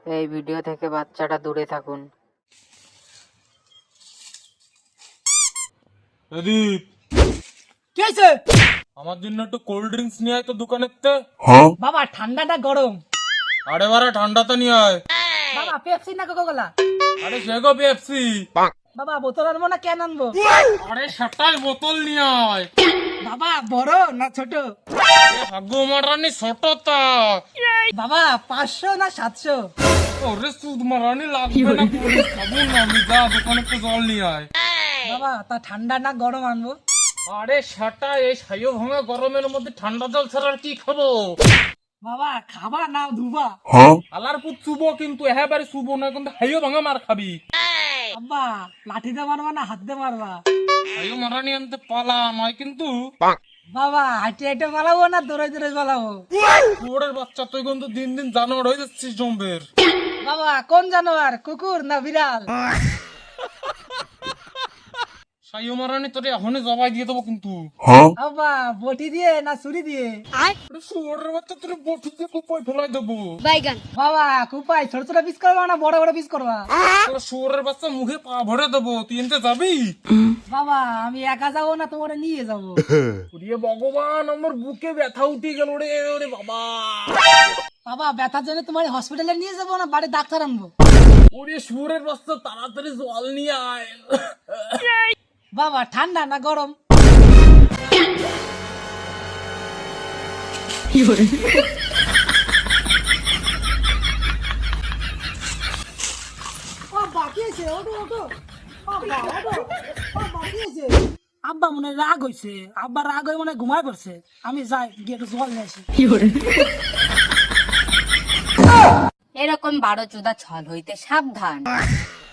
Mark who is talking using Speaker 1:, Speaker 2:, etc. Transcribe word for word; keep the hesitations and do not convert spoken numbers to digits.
Speaker 1: এই ভিডিও থেকে বাচ্চাটা দূরে থাকুন।
Speaker 2: প্রদীপ,
Speaker 3: কি হয়েছে?
Speaker 2: আমার জন্য একটু কোল্ড ড্রিঙ্কস নিয়ে আয় তো দোকানের তে।
Speaker 3: বাবা ঠান্ডাটা গরম।
Speaker 2: আরে বারে ঠান্ডাতে নিয়ে আয়।
Speaker 3: বাবা পেপসি না কোকা কোলা?
Speaker 2: আরে সেগো পেপসি।
Speaker 3: বাবা বোতল আনবো না ক্যান আনবো?
Speaker 2: আরে সেটাই বোতল নিয়ে আয়।
Speaker 3: বাবা বড় না ছোট?
Speaker 2: হাগু মারানি ছোটটা।
Speaker 3: বাবা পাঁচশো না সাতশো?
Speaker 2: ওরে সুদ মারানি লাগবে না, করে খাবো না আমি, যা দোকানে তো জল নিয়ে আয়।
Speaker 3: বাবা তা ঠান্ডা না গরম আনবো?
Speaker 2: আরে সেটা এই সাইও ভাঙা গরমের মধ্যে ঠান্ডা জল ছাড়া আর কি খাবো?
Speaker 3: বাবা খাবা না ধুবা?
Speaker 2: আলার পুত চুবো, কিন্তু এবারে চুবো না, কিন্তু হাইও ভাঙা মার খাবি।
Speaker 3: আব্বা লাঠি দিয়ে মারবা না হাত দিয়ে মারবা?
Speaker 2: হাইও মারানি আনতে পালা নয় কিন্তু।
Speaker 3: বাবা হাঁটে হাঁটে পালাবো না দৌড়ে দৌড়ে পালাবো?
Speaker 2: কুকুরের বাচ্চা, তুই কিন্তু দিন দিন জানোয়ার হয়ে যাচ্ছিস জম্বের।
Speaker 3: বাবা কোন জানোয়ার, কুকুর না বিড়াল?
Speaker 2: সাইও মারানি তোরে এখনই জবাই দিয়ে দেবো কিন্তু।
Speaker 3: আব্বা বটি দিয়ে না ছুরি দিয়ে?
Speaker 2: আরে শুয়োরের বাচ্চা, তোরে বটি দিয়ে কুপায় ফেলাই দেবো।
Speaker 3: বাবা কুপাই ছোট ছোট পিস করবা না বড় বড় পিস করবা?
Speaker 2: তোর শুয়োরের বাচ্চা মুখে পা ভরে দেবো, তুই এনতে যাবি?
Speaker 3: বাবা আমি একা যাবো না তোমার নিয়ে যাবো?
Speaker 2: ওরে ভগবান, আমার বুকে ব্যথা উঠে গেল রে। ওরে বাবা,
Speaker 3: বাবা ব্যথার জন্য তোমার হসপিটালে নিয়ে যাবো না বাড়ি ডাক্তার আনবো?
Speaker 2: ওরে শুয়োরের বাচ্চা, তাড়াতাড়ি জল নিয়ে আয়।
Speaker 3: বাবা ঠান্ডা না গরম? আব্বা মনে হয় রাগ হয়েছে, আব্বা রাগ হয়ে মনে হয় ঘুমায় পড়ছে। আমি যাই গিয়ে একটু জল নিয়ে আসি।
Speaker 1: এরকম বারো চোদা ছল হইতে সাবধান।